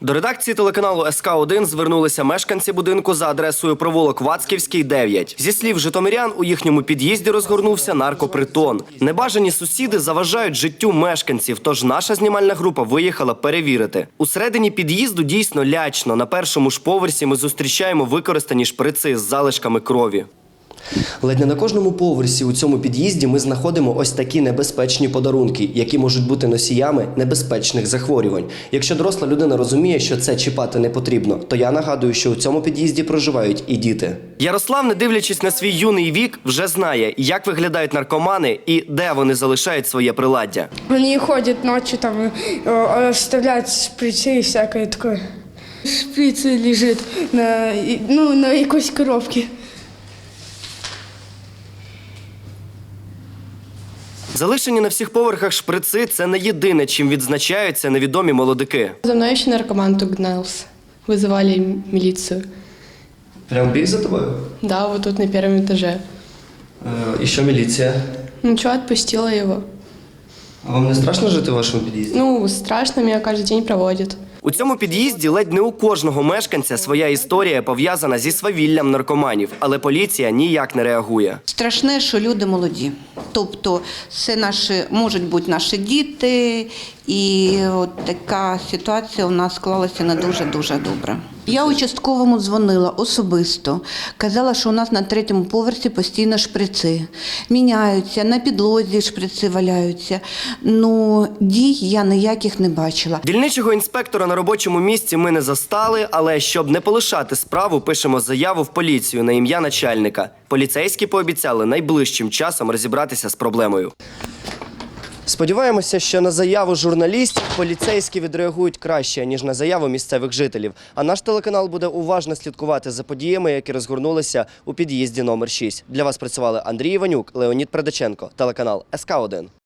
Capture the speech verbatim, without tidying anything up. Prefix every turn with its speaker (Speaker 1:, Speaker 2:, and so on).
Speaker 1: До редакції телеканалу ес ка один звернулися мешканці будинку за адресою провулок Вацківський, дев'ять. Зі слів житомирян, у їхньому під'їзді розгорнувся наркопритон. Небажані сусіди заважають життю мешканців, тож наша знімальна група виїхала перевірити. Усередині під'їзду дійсно лячно. На першому ж поверсі ми зустрічаємо використані шприци з залишками крові. Ледь не на кожному поверсі у цьому під'їзді ми знаходимо ось такі небезпечні подарунки, які можуть бути носіями небезпечних захворювань. Якщо доросла людина розуміє, що це чіпати не потрібно, то я нагадую, що у цьому під'їзді проживають і діти. Ярослав, не дивлячись на свій юний вік, вже знає, як виглядають наркомани і де вони залишають своє приладдя.
Speaker 2: Вони ходять ночі, там, оставляють шприци і всяке таке. Шприц лежить на, ну, на якійсь коробці.
Speaker 1: Залишені на всіх поверхах шприци – це не єдине, чим відзначаються невідомі молодики.
Speaker 3: За мною ще наркоман тут гнався. Визивали міліцію.
Speaker 1: Прям біг за тобою?
Speaker 3: Да, вот тут на першому етажі.
Speaker 1: Е, і що міліція?
Speaker 3: Нічого, відпустила його.
Speaker 1: А вам не страшно жити в вашому під'їзді?
Speaker 3: Ну, страшно, мене кожен день проводять.
Speaker 1: У цьому під'їзді ледь не у кожного мешканця своя історія пов'язана зі свавіллям наркоманів, але поліція ніяк не реагує.
Speaker 4: Страшне, що люди молоді. Тобто це наші, можуть бути наші діти, і от така ситуація у нас склалася не дуже-дуже добре. Я участковому дзвонила особисто, казала, що у нас на третьому поверсі постійно шприци. Міняються, на підлозі шприци валяються. Ну, дій я ніяких не бачила.
Speaker 1: Дільничого інспектора на робочому місці ми не застали, але щоб не полишати справу, пишемо заяву в поліцію на ім'я начальника. Поліцейські пообіцяли найближчим часом розібратися з проблемою. Сподіваємося, що на заяву журналістів поліцейські відреагують краще, ніж на заяву місцевих жителів. А наш телеканал буде уважно слідкувати за подіями, які розгорнулися у під'їзді номер шість. Для вас працювали Андрій Іванюк, Леонід Предаченко, телеканал ес ка один.